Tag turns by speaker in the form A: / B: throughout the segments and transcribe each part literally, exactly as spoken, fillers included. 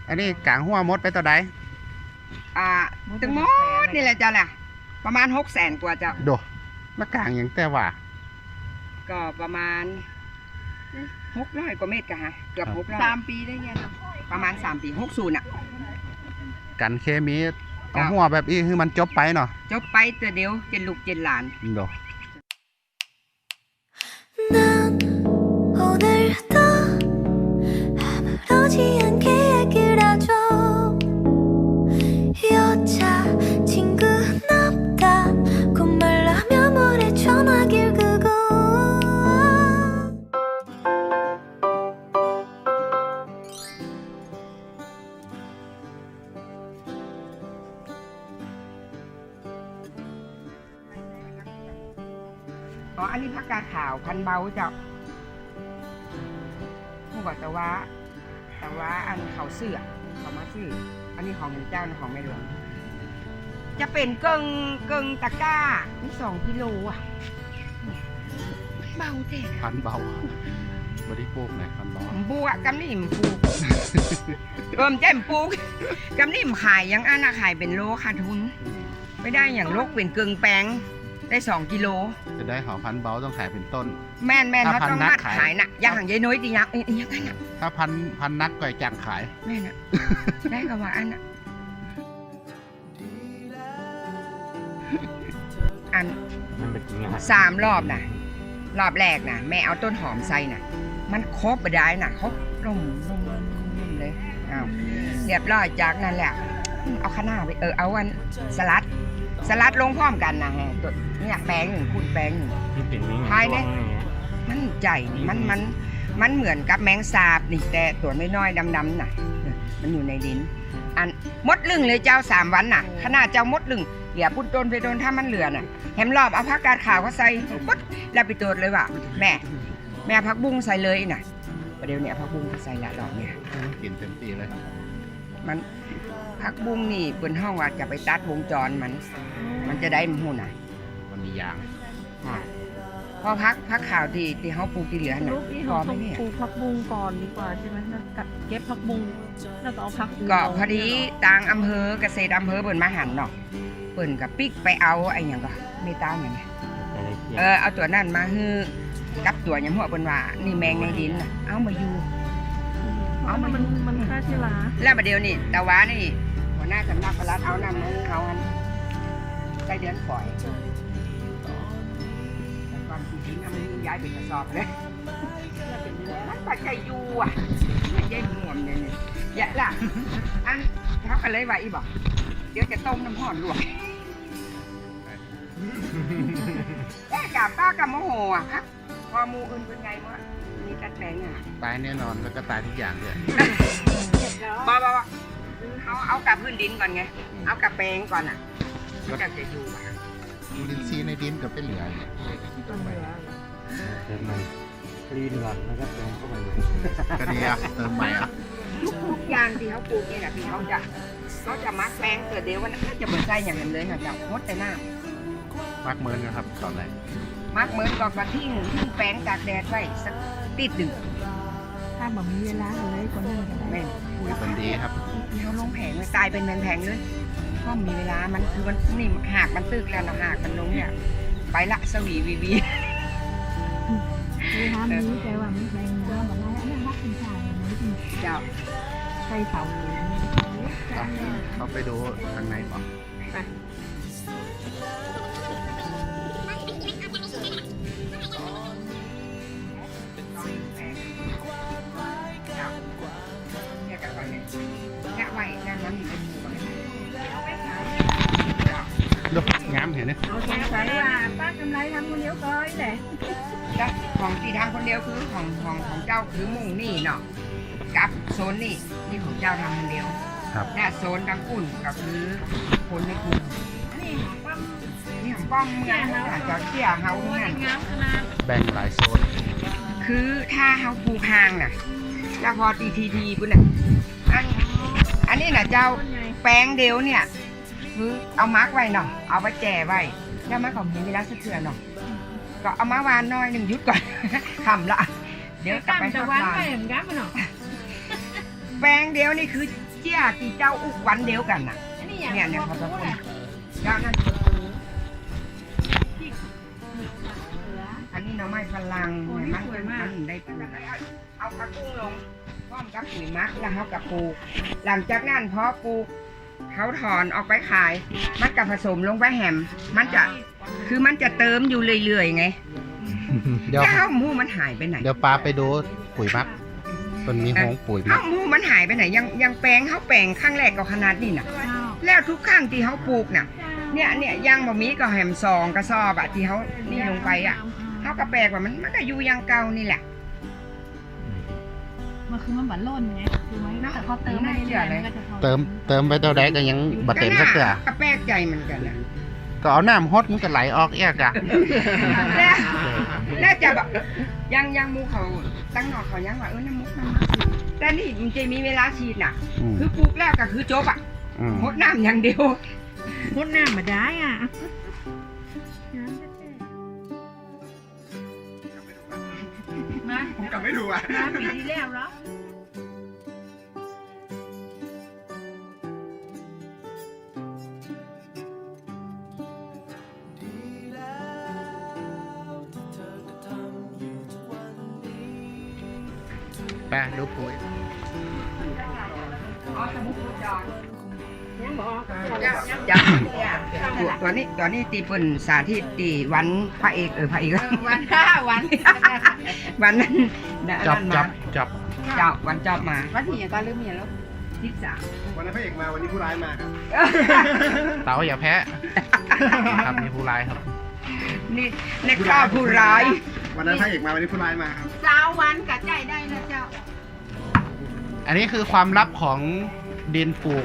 A: อันนี้กลางหัวมดไปตัวใด
B: อ่าถึงมดนี่แหละจ้ะแหละประมาณหกแสนกว่าเจ้า
A: โดมากลางอย่างแต่ว่า
B: ก็ประมาณหกร้อยกว่าเมตรกะฮะเกือบหกร้อย
C: สามปีได้ไง
B: ประมาณสามปีหกศูนย์อ่ะ
A: กันเคมีเอาหัวแบบนี้คือมันจบไปเนาะ
B: จบไปแต่เดียวเจนลูกเจนหลาน
A: โด
B: อ๋ออันนี้ผักกาดขาวพันเบาเจ้าผู้บอกแต่ว่าแต่ว่าอันเขาเสื้อเขามาซื้ออันนี้ของเจ้าของแม่หลวงจะเป็นเกิงเกิงตะกร้านี่สองกิโลอ่ะเบาเท่
A: พันเบาบริโภคไหนพันเบา
B: ปูอะกำนิ่มปูเอิ่มแจ่มปูกำนิ่มขายยังอันอะขายเป็นโลขาดทุนไม่ได้อย่างโลกเป็นเกิงแปงได้สองกิโล
A: จะได้หอพันเบาต้องขายเป็นต้น
B: แม่นแม่นเขาต้องมัดขายน่ะอย่างหางยายน้อยดีนะเอ้ยยังไงน่ะ
A: ถ้าพันพันนักก่อยจังขาย
B: แม่น่ะได้กับว่าอันน่ะอันสามรอบน่ะรอบแรกน่ะแม่เอาต้นหอมใส่น่ะมันครบไปได้น่ะครบร่มร่มร่มร่มเลยอ้าวเรียบร้อยจากนั้นแหละเอาข้าวหน้าไปเออเอาอันสลัดสลัดลงพร้อมกันนะฮะตัวเนี่ยแป้งหนึ่งคูณแป้งหนึ่งภายในมันใหญ่มันมันมันเหมือนกับแมงสาบนี่แต่ตัวน้อยๆดำๆน่ะมันอยู่ในดินอันมดลึงเลยเจ้าสามวันน่ะขนาดเจ้ามดลึงเดี๋ยวพุ่นโดนไปโดนถ้ามันเหลือน่ะแฮมรอบเอาผักกาดขาวเขาใส่ปุ๊บแล้วไปตัวเลยว่ะแม่แม่ผักบุ้งใส่เลยน่ะประเดี๋ยวเนี่ยผักบุ้งใส่ละดอกเนี่ย
A: กินเต็มที่เลย
B: มันผักบุ้งนี่บนห้องว่าจะไปตัดวงจรมันมันจะได้มันหูน่ะ
A: มันมียาง
B: พอพักพักข่าวที่ที่เขาปลูกที่เหลือน่ะ
C: พอไม่เนี่ยปลูกผักบุ้งก่อนดีกว่าใช่ไหมเก็บผักบุ้งแล้วก็เอาผัก
B: ก็พอดีต่างอำเภอเกษตรอำเภอเปิ่นมาหันเนาะเปิ่นกับปิ๊กไปเอาไอ้อย่างก็ไม่ตามอย่างนี้เออเอาตัวนั่นมาฮือกับตัวยำหัวเปิ่นว่านี่แมงในดินน่ะเอามาอยู่
C: เอามันมันฆ่าเชื้อรา
B: แล้วประเดี๋ยวนี่แต่ว่านี่หัวหน้าสำนักปลัดเอานำมือเขาอันใส่เดือนฝอยแต่ความจริงๆมันย้ายเป็นกระสอบเลยมันปัจจัยอยู่อ่ะไม่ใช่หวมเลยเนี่ยอย่าละอันเขากันเลยว่าอีบอกเดี๋ยวจะต้มน้ำห่อนลวกแก่กับป้ากับโมโหอ่ะครับพอมูอื่นเป็นไงมั้งมีตัดแปลงอ่ะ
A: ตายแน่นอนแล้วก็ตายทุกอย่างเลย
B: บ้าบ้าเอาเอากับพื้นดินก่อนไงเอากับแปลงก่อนอ่ะก็จะจะอยู่อ่ะ
A: ยูรินซีในดินกับเป็นเหลือเนี่ย
C: เติมใหม่
D: คลีนก่อนแล้วก็เติมเข้าไปใหม่
A: ก็ดีอ่ะเติมใหม่อ่ะ
B: ทุกอย่างที่เขาปลูกเนี่ยนะที่เขาจะเขาจะมักแปลงเกิดเดี๋ยววันนั้นจะเหมือนใส่อย่างนั้นเลยนะจะงดแต่หน้า
A: มักเมินนะครับตอนไหน
B: มักเมินก่อนมาทิ้งทิ้งแปลงตากแดดไว้สักติดหนึ่ง
C: ถ้าแบบมีเวลาเลยคนนึงก็ได้
A: คุยคนดีครับ
B: เขาลงแผงเลยตายเป็นแผงๆเลยก็มีเวลามันคือมันนี่หากมันตึกแล้วนะหากมันลงเนี่ยไปละสวีวีวี
C: คือทำนี้แต่ว่ามันแรงเยอะแบบนั้นแล้วรักคุณชาย
B: เจ้า
C: ใส่เสา
A: เขาไปดูทางไหนก่อน
B: ไปเนี่ยไว้นั่นมันมีเป็นหมู่
A: ดูงามเห็นไหม
C: เอาแค่ใส่ว่าป้ากำไรทำคนเดียวก้อยแหละ
B: ของที่ทางคนเดียวคือของของของเจ้าคือมุ่งนี่เนาะกับโซนนี่นี่ของเจ้าทำคนเดียวและโซนดังอุ่นก็คือคนในกลุ่มนี่ของป้อมนี่ของป้อมเมืองเจ้าเที่ยเฮาทั้งนั้น
A: แบ่งหลายโซน
B: คือถ้าเฮาปลูกห่างน่ะแล้วพอทีทีทีปุ่นน่ะอันอันนี้น่ะเจ้าแป้งเดียวเนี่ยคือเอามาร์กไว้เนาะเอาไว้แจไว้แล้วมันก็มีเวลาสักเทื่อเนาะก็เอามาวานน้อยหนึ่งยุดก่อนทำละเดี๋ยวกลับไปทำงานแป้งเดียวนี่คือเจ้าที่เจ้าอุกวันเดียวกันน่ะเนี่ยเนี่ยขอบคุณเจ้านั่นอันนี้หน่อไม้ฝรั่งมันมันได้ปลูกเอาผักบุ้งลงพร้อมกับปุ๋ยมักแล้วเขากับปลูกหลังจากนั้นพอปลูกเขาถอนออกไปขาย มันกับผสมลงไปแหมมันจะคือมันจะเติมอยู่เรื่อยๆไง
A: เดี๋ยว
B: แล้วข้าวหมูมันหายไปไหน
A: เดี๋ยวปลาไปดูปุ๋ยมักมันมีหงปุ๋ยมั
B: ข้าก วหมูมันหายไปไหนยังยังแปลงเขาแปลงข้างแรกก็ขนาดนี้น่ะ แล้วทุกข้างที่เขาปลูกน่ะเนี่ยเนี่ยยังบ่มีก็แหมซองกระสอบอะที่เขานี่ลงไปอะเขาก็แปลกว่ามันมันก็อยู่อยังเก่านี่แหละ
C: มันคือมันบันล่นไงคือมันแต่พอเติมไม่เรื่อยๆมันก็จะพอ
A: เติมเติมไปเท่าใดก็ยังบ่เต็มสักเทื่อ
B: ก็แปลกใจเหมือนกันนะ
A: ก็เอาน้ำฮดมันก็ไหลออกเอียกอะ
B: แล้วแล้วจะแบบยังยังหมูเขาตั้งหนอกเขายังว่าเออน้ำมุกน้ำมุกแต่นี่มันจะมีเวลาฉีดน่ะ
A: อืม
B: คือปลูกแล้วก็คือจบอ่ะ
A: อืม
B: หดน้ำอย่างเดียว
C: พดน้ำมาได้อ่ะ มา
B: ผมก็ไม่รู้อ่ะ
C: มาปีที่แล้วเหรอ
A: ไปดูปุ๋ย
B: อ๋อสมุกจอนจับตัวตัวนี้ตัวนี้ตีเปิ่นสาธิตตีวันพระเอกเออพระเอก
C: วันห้าวัน
B: วันนั้น
A: จับ
B: นั่น
A: จั
B: มา
A: บจับ
B: จับวันจับมา
C: วันที่ยังก็ลืมเมียแล้ว
B: ที่สาม
E: วันนั้นพระเอกมาวันนี้ผู้ร้ายมาครับ
A: เต๋าอย่าแพ้ครับมีผู้ร้ายครับ
B: นี่ในข้าวผู้ร้าย
E: วันนั้นพระเอกมาวันนี้ผู้ร้ายมาครับ
C: สาววันกะใจได้นะเจ้า
A: อันนี้คือความลับของดินปลูก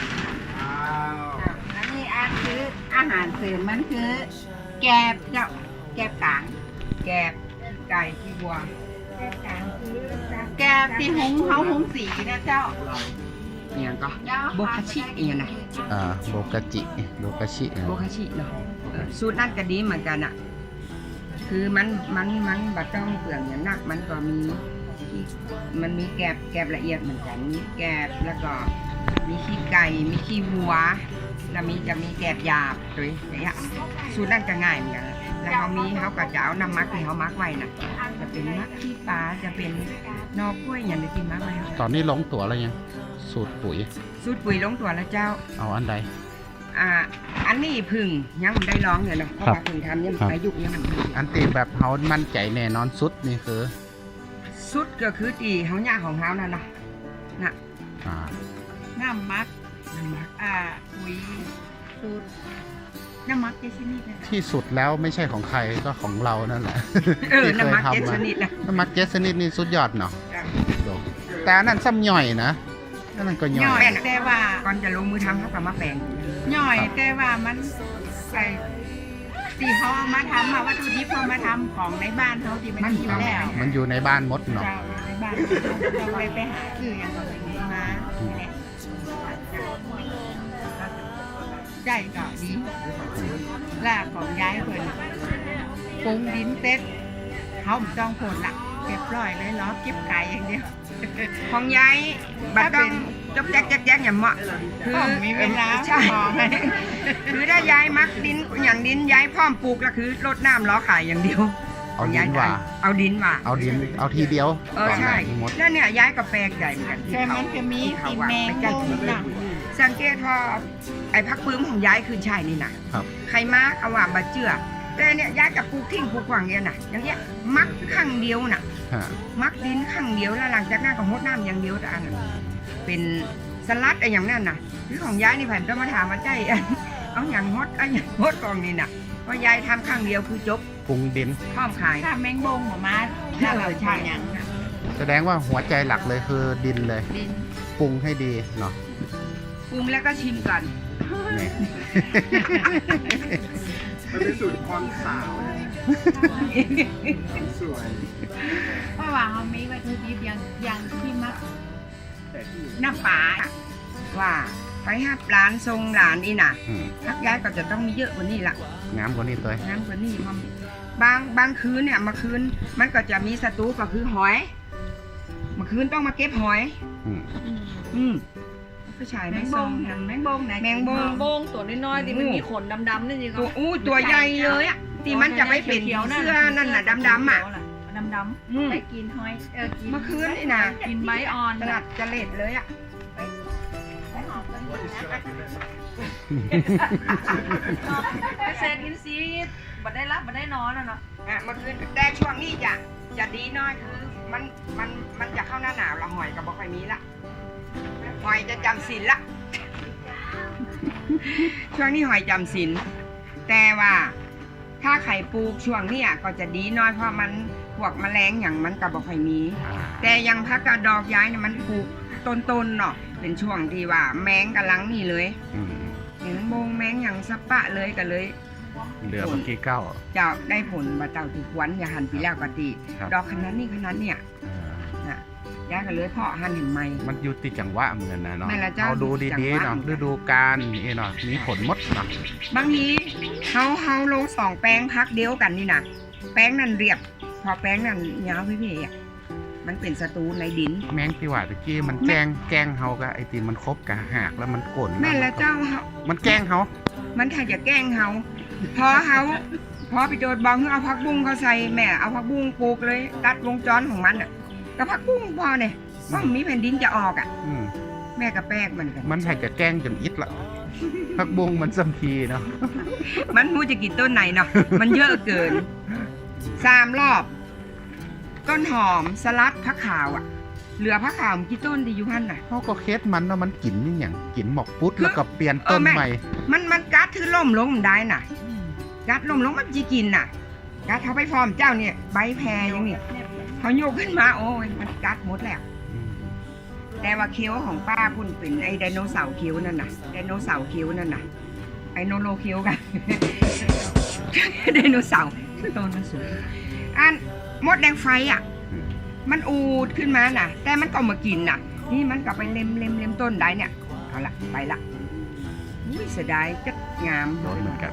C: อันนี้อันคืออาหารเสริมมันคือ แกบเจ้าแกบกลาง
B: แกบไก่ที่วัว
C: แกบที่หุงเขาหุงสีนะเจ้า
B: เนี่ยก็โบคาชิเนี่ยนะ
A: อ่าโบกาจิโบกาชิอ่ะ
B: โบคาชิเนาะเออสูตรนั่นก็ดีเหมือนกันอ่ะ คือมันมันมันบัดต้องเปลืองอย่างนักมันก็มีที่มันมีแกบแกบละเอียดเหมือนกันมีแกบแล้วก็มีขี้ไก่มีขี้วัวแล้วมีจะมีแกบหยาบด้วยอย่างเงี้ยสูตรนั่นก็ง่ายเหมือนกันแล้วเขามีเขาก็จะเอาน้ำมักที่เขามักไว้น่ะจะเป็นมักขี้ปลาจะเป็นนอกกล้วยอย่างในที่มักไว้ค่ะ
A: ตอนนี้ลงตัวแล้วยังสูตรปุ๋ย
B: สูตรปุ๋ยลงตัวแล้วเจ้า
A: เอาอันใด
B: อ่า อันนี้พึ่งยังไม่ได้ร้องเลยเนาะเพราะ
A: ครับ
B: ว่าพึ่งทำยัง
A: ครับ
B: อายุยังมัน
A: อันตีแบบเขามั่นใจแน่นอนสุดนี่คือ
B: สุดก็คือตีเขาหญ้าของเขานั่นนะน่ะ
A: อ่า
C: น้ำมัก
B: น้ำมัก
C: อ่าปุ๋ยสูตรน้ำมักเจชินี่นะ
A: ที่สุดแล้วไม่ใช่ของใครก็ของเรานั่นแหละ
B: เออ
A: ที่
B: น้ำมัก
A: เคย
B: เจ็ด
A: ทำ
B: ช
A: มา
B: นิดนะ
A: น้ำมักเจสนิดนี่สุดยอดเนาะแต่อันนั่นซ้ำย่อยนะนั่นก็ย่
C: ย่
A: อ
C: อย ยแต่ว่า
B: ก่อนจะลงมือทำเขาก็มาแปลง
C: ย่อยแต่ว่ามันไอ้ที่เขาเอามาทำมาวัตถุดิบเขามาทำของในบ้านเขาที่มันมีอยู่แล้ว
A: มันอยู่ในบ้านมดเนาะ
C: เจ้าในบ้านเราเลยไปหาซื้ออย่างเราไปมาเนี่ยใจก็ดีลากของย้ายคนปรุงดินเซ็ตเขาไม่ต้องผลละเรียบร้อยเลยล้อเก็บไก่อย่างเดียว
B: ของยายบัดต้องจบแจ๊กแจ๊กแจ๊กอย่างเหมาะคือ
C: มีเวลา
B: ใช่
C: มองให้
B: คือถ้ายายมักดินอย่างดินยายพร้อมปลูกก็คือรดน้ำล้อขายอย่างเดียว
A: เอาดินว่า
B: เอาดินมา
A: เอาดินเอาทีเดียว
B: เออใช่
A: มด
B: แล้วเนี่ยย้ายกับแปลกใหญ่เหมือนกัน
C: แต่มันจะมีกลินแมง
B: จั
C: โมหนัก
B: สังเกตพอไอ้พักปื้มของย้ายคือใช่นี่นะครับ ใครมาเอาว่าบาเจือแต่เนี่ยย้ายกับปลูกทิ้งปลูกขวางเนี่ยนะอย่างเงี้ยมักข้างเดียวน่ะ
A: ฮะ
B: มักดินข้างเดียวแล้วหลังจากนั้นก็หดน้ำอย่างเดียวแต่อันนั้นเป็นสลัดอะไรอย่างนั้นน่ะคือของย้ายนี่ผมต้องมาถามมาใจ เอาอย่างฮดเอาอย่างฮดกองนี่น่ะเพราะย้ายทำข้างเดียวคือจบ
A: ปรุงดิน
B: พร้อมขาย
C: ถ้าแมงบงออกมาถ้าเราใช่ยัง
A: แสดงว่าหัวใจหลักเลยคือดินเลย
B: ดิน
A: ปรุงให้ดีเนาะ
B: ปรุงแล้วก็ชิมก่อน
A: นี่
E: มันเป็นสูตรความสาวความสวย
C: เพราะว่าเขามีวัตถุดิบอย่างอย่างที่มัก
E: แต่ที่
C: น้ำปลา
B: ว่าไปห้าร้านทรงหลานนี่น่ะ
A: อืม
B: ทักย้ายก็จะต้องมีเยอะกว่านี้ละ
A: งามกว่านี้ตัว
B: น้ำกว่านี้มันบางบางคืนเนี่ยมาคืนมันก็จะมีศัตรูก็คือหอยเมื่อคืนต้องมาเก็บหอย
A: อืม
B: อืมผู้ชาย
C: แม
B: ไม่
C: งบ
B: ทรง
C: งแมงบงไหน
B: แมงบง
F: โบงตัวน้อยๆที่มันมีขนดำๆนี่สิครั
B: ตัว
F: บ
B: อู้ตัวใหญ่เลยอ่ะที่มันจะไม่เป็น
F: เขียวๆ
B: เสื้อนั่นน่ะดำๆอ่ะ
F: ดำๆ
B: อืม
C: ไปกินหอยเออกิน
B: เมื่อคืนนี่นะ
F: กินใบอ่อน
B: ขนาดจะเล็ดเลยอ่ะ
C: ไปหอมกันนะ
F: เกษตรอินทรีย์บัดได้รับบัดได้นอนอ่ะเนาะ
B: อ่ะเมื่อคืนแต่ช่วงนี้จะจะดีน้อยคือมันมันมันจะเข้าหน้าหนาวละหอยกับบ่ค่อยมีละหอยจะจำศีลละ ช่วงนี้หอยจำศีลแต่ว่าถ้าไข่ปลูกช่วงเนี้ยก็จะดีน้อยเพราะมันพวกแมลงอย่างมันกับบ่ค่อยมี แต่อยังพักกระดอกย้ายเนี่ยมันปลูกต้นๆเนาะเป็นช่วงที่ว่าแมงกำลังนี่เลย
A: อืม
B: เห็นโมงแมงอย่างสะปะเลยกันเลย
A: เหลือเมื่อกี้เก้า
B: จะได้ผลมาเจ้าที่ควันอย่าหันปีแล้วกติ
A: ครับ
B: ดอกขนาดนี้ขนาดเนี่ย
A: เออ
B: น่ะย้ายกันเลยเพาะหันเห็นไหม
A: มันอยู่ติดจังหวะเหมือนกันนะเนาะ
B: แม่ละเจ้า
A: เอาดู
B: จัง
A: ดี
B: หวะ
A: ๆเนาะฤดูกาลนี่เนาะมีผลหมดเนาะ
B: บางทีเฮาเฮาลงสองแป้งพักเดียวกันนี่นะแป้งนั่นเรียบ พอแป้งนั่นยาวพี่พี่อ่ะมันเป็นศัตรูในดิน
A: แมงที่ว่าตะกี้มันแกล้งแกล้งเฮากับไอติมมันคบกับหากแล้วมันก่น
B: แม่ละเจ้าเฮา
A: มันแกล้งเฮา
B: มันถ้าจะแกล้งเฮาพอเฮาพอไปโดดบองเอาผักบุ้งเขาใส่แม่เอาผักบุ้งปลูกเลย ตัดวงจรของมันอ่ะกับผักบุ้งพอเนี่ยว่ามันมีแผ่นดินจะออกอ่ะ
A: อืม
B: แม่กับแป้งมันกัน
A: มันให้จะแกล้งจนอิดละพักบงมันสัมพีเนาะ
B: มันมูจะกินต้นไหนเนาะมันเยอะเกินสามรอบ ต้นหอมสลัดผักขาวอ่ะ เหลือผักขาวกี่ต้นดีอยู่พันน่ะ
A: เขาก็เคสมันเนาะมันกินนี่อย่างกินหมอกปุ๊ด
B: คือ
A: แล้วก็เปลี่ยนต้น
B: เออแม่
A: ใหม่
B: มันมันกัดคือล่มลงมันได้น่ะ กัดล่มลงมันจีกินน่ะ กัดเขาไปพร้อมเจ้าเนี่ยใบแพรอย่างนี้เขาโยกขึ้นมาโอ้ยมันกัดหมดแล้ว
A: อืม
B: แต่ว่าเคี้ยวของป้าพุ่นเป็นไอ้ไดโนเสาร์เคี้ยวนั่นน่ะไดโนเสาร์เคี้ยวนั่นน่ะไอโนโลเคี้ยวกัน ไดโนเสาร์ต้นมันสูงอันมดแดงไฟอ่ะ
A: อืม
B: มันอูดขึ้นมาน่ะ แต่มันก็มากินน่ะ นี่มันก็ไปเล็มเล็มเล็มต้นได้เนี่ยเอาละไปละอุ้ยเสียดายจัดงาม
A: โดนเหมือนกัน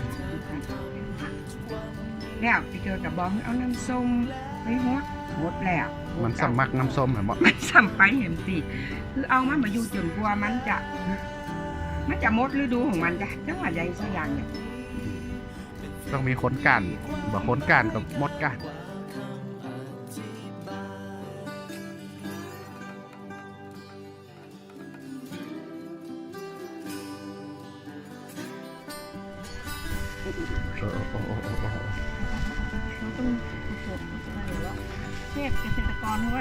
B: แล้วไปเจอกับบองเอาน้ำส้มไปฮดหมดแล้ว
A: มันสมักน้ำส้มเหรอหมอ
B: มันสัมไปเห็นสิคือเอามันมาอยู่จนกลัวมันจะ มันจะหมดฤดูของมันจ้ะจังหวัดใดสักอย่างเนี่ย
A: ต้องมีคนกันบอกคนกันกับมดกัน เออโอ้โอ้โอ้โอ้
C: เทศเกษตรกรด้วย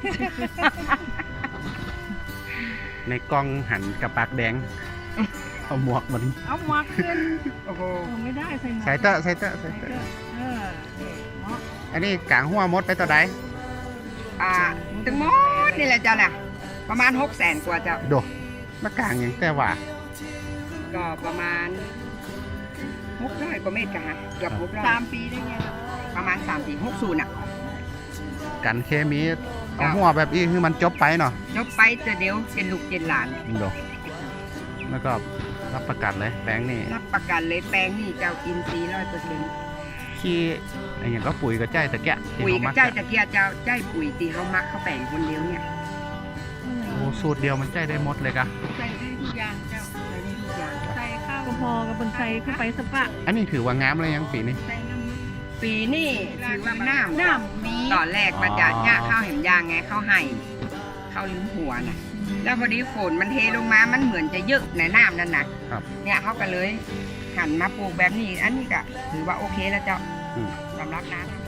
A: ในกล้องหันกับปากแดง เอาหมวกมัน
C: เอามาขึ้น
B: โอ้โห
C: โอ้ไม่ได้ใส่หมวก
A: ใส่เตอะใส่เตอะใส่เตอะ
C: เออเนาะ
A: อันนี้กลางหัวมดไปตัวใด
B: อ่าถึงหมดนี่แหละจ้ะแหละประมาณหกแสนกว่าจะ
A: โดมากลางอย่างแต่ว่า
B: ก็ประมาณหกร้อยกว่าเมตรกันฮะเกือบหกร้อย
C: สามปีได้ไง
B: ประมาณสามสี่หกศูนย์อ่ะ
A: กันเคมีเอาหัวแบบอีคือมันจบไปเนาะ
B: ยกไปแต่เดียวเป็นลูกเป็นหลาน
A: โดแล้วก็รับประกันเลยแป้งนี่
B: รับประกันเลยแป้งนี่เจ้าอินทรีย์ร้อยเปอร์เซ็นต์
A: ขี้อะไรอย่างก็ปุ๋ยก็ใจตะแกะที่
B: ปุ๋ย
A: เขา
B: ก
A: มั
B: ระ
A: ก
B: จายตะเกียบเจ้าใจปุ๋ยตีเขามักเขาแบ่งคนเดียวเนี่ย
A: โอ้สูตรเดียวมันใจได้หมดเลยกะ
C: ใส่ได้ทุกอย่างเจ้า
B: ใช้ได้ทุกอย่าง
C: ใส่ข้าวพอกับบนใส่เข้าไปสปะ
A: อันนี้ถือว่างามเลยยังปีนี้
C: ใส่น้ำ
B: ปีนี่ถือว่าน้ำ
C: น้ำมี
B: ตอนแรกมันจะย่าข้าวเห็นยางไงข้าวไห่ข้าวลิ้นหัวน่ะ แล้วพอดีฝนมันเทลงมามันเหมือนจะเยอะในน้ำนั่นน่ะ
A: ครับ
B: เนี่ยเขาก็เลยหันมาปลูกแบบนี้ อันนี้ก็ถือว่าโอเคแล้วเจ้า
A: อืม
B: สำหรับน้ำ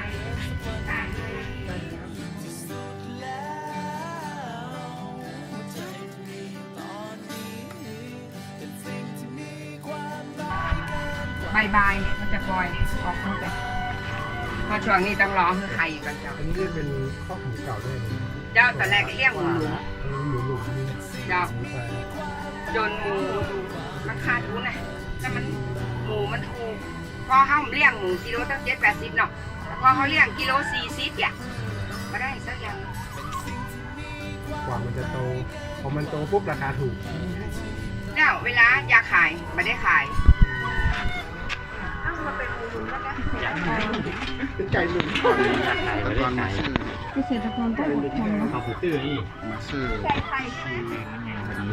B: บายบายมันจะปล่อยออกมาไปเพราะช่วงนี้ต้องรอให้ไข่ก่อนเจ้า
E: อันนี้เป็นข้อหมูเก่าด้วย
B: เจ้าตอนแรกก็เลี้ยงหมูหลุม
E: หมูหลุมนี่
B: เจ้า
E: หมูไฟ
B: จนหมูราคาถูกนะแต่มันหมูมันถูกพอเขาเลี้ยงหมูกิโลตั้งเจ็ดแปดสิบเนาะแต่พอเขาเลี้ยงกิโลสี่สิบเนี่ยมาได้สักอย่าง
E: กว่ามันจะโตพอมันโตปุ๊บราคาถูก
B: แล้วเวลาอยากขายไม่ได้ขายเอ้ามาเป็นหมูหลุมแล้วนะ
E: เป็นไก่หลุม
A: แต่ก่อนมาซื้อ
C: เกษตรกรต้องอดทนเนาะ
D: เอาไปตื้อนี่
A: มาซื้อ
C: ใส่ไข่
A: ที่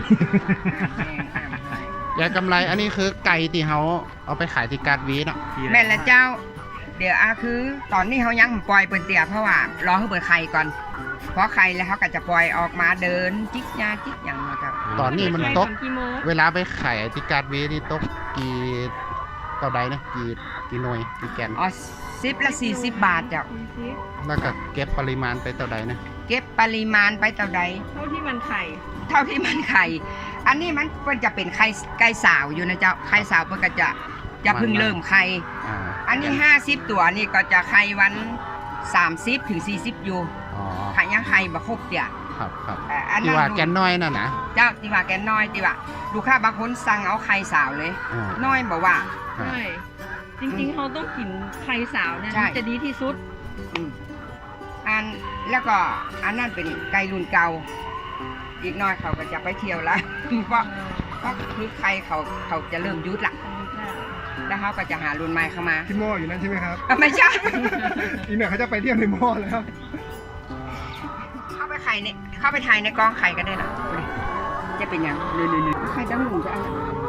A: ยายกำไรอันนี้คือไก่ที่เขาเอาไปขายที่การ์ดวีเนาะ
B: แม่นละเจ้า เดี๋ยวอาคือ ตอนนี้เขายังปล่อยเปิ่นเตี่ยเพราะว่ารอให้เปิดไข่ก่อนเพราะไข่แล้วเขาก็จะปล่อยออกมาเดินจิกยาจิกอย่างเนาะครับ
A: ตอนนี้มันตก
F: ไปทำกี่โมง
A: เวลาไปขายที่การ์ดวีนี่ตกกี่เท่าใดนะกี่กี่หน่วยกี่แกน
B: อ๋อสิบละสี่สิบบาทเจ้า
A: แล้วก็เก็บปริมาณไปเท่าใดนะ
B: เก็บปริมาณไปเท่าใด
F: เท่าที่มันไข่
B: เท่าที่มันไข่ อันนี้มันเพิ่นจะเป็นไข่ไก่สาวอยู่นะเจ้า ไข่สาวเพิ่นก็จะจะเพิ่งเริ่มไข่
A: อ่า
B: อันนี้ห้าสิบตัวนี่ก็จะไข่วันสามสิบถึงสี่สิบอยู่
A: อ๋อ
B: ไข่ยังไข่บ่ครบเตี่ย
A: ครับครับ
B: เอ่ออัน
A: ที่
B: นั้น
A: ว่าแกนน้อยน่ะนะ
B: เจ้าที่ว่าแกน้อยที่ว่าลูกค้าบางคนสั่งเอาไข่สาวเลย
A: อ่า
B: น้อยบอกว่า
A: ฮะ
F: ใช่ จริงๆเขาต้องกินไข่สาวเนี่ย
B: ใช่
F: มันจะดีที่สุด
B: อืมอันแล้วก็อันนั้นเป็นไก่รุ่นเก่า อีกหน้อยเขาก็จะไปเที่ยวละ เพราะเพราะคือใครเขาเขาจะเริ่มยุดละแล้วเขาก็จะหารุ่นใหม่เข้ามา
E: ที่หม้ออยู่นั่นใช่ไหมครับ
B: อ่ะไม่ใช่
E: อีกหน่อยเขาจะไปเที่ยวในหม้อแล้ว
B: เข้าไปไข่ในเข้าไปถ่ายในกองไข่ก็ได้นะดูดิจะเป็นยังเนื่อยๆไข่ตั้งหนุ่มจะเอา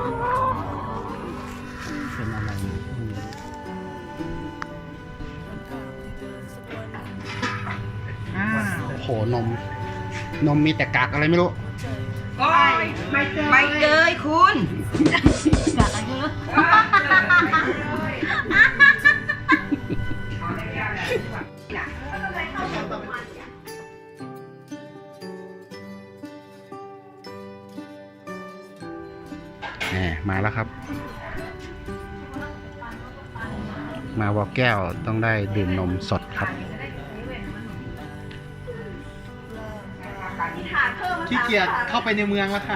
A: เป็นอะไรอืม
B: อ่า
A: โหนม นมมีแต่กากอะไรไม่รู้
B: โอ้ยไม่เกยไม่เกยคุณกากอะไรเยอะ
A: แหมมาแล้วครับ มาวอแก้วต้องได้ดื่มนมสดครับ ขี้เกียจเข้าไปในเมืองแล้วครับ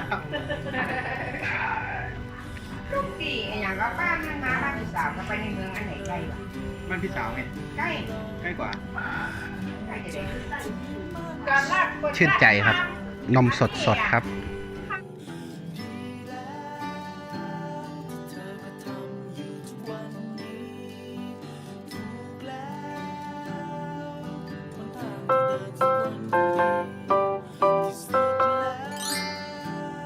B: ทุกทีไอ้อย่างก็บ้านมันมาบ้านพี่สาวก็ไปในเมืองอันไหนใกล้กว่า
E: บ้านพี่สาวไง
B: ใกล้
E: ใกล้กว่า
B: ใกล้จะได้
A: ชื่นใจครับ นมสดสดครับ
B: อ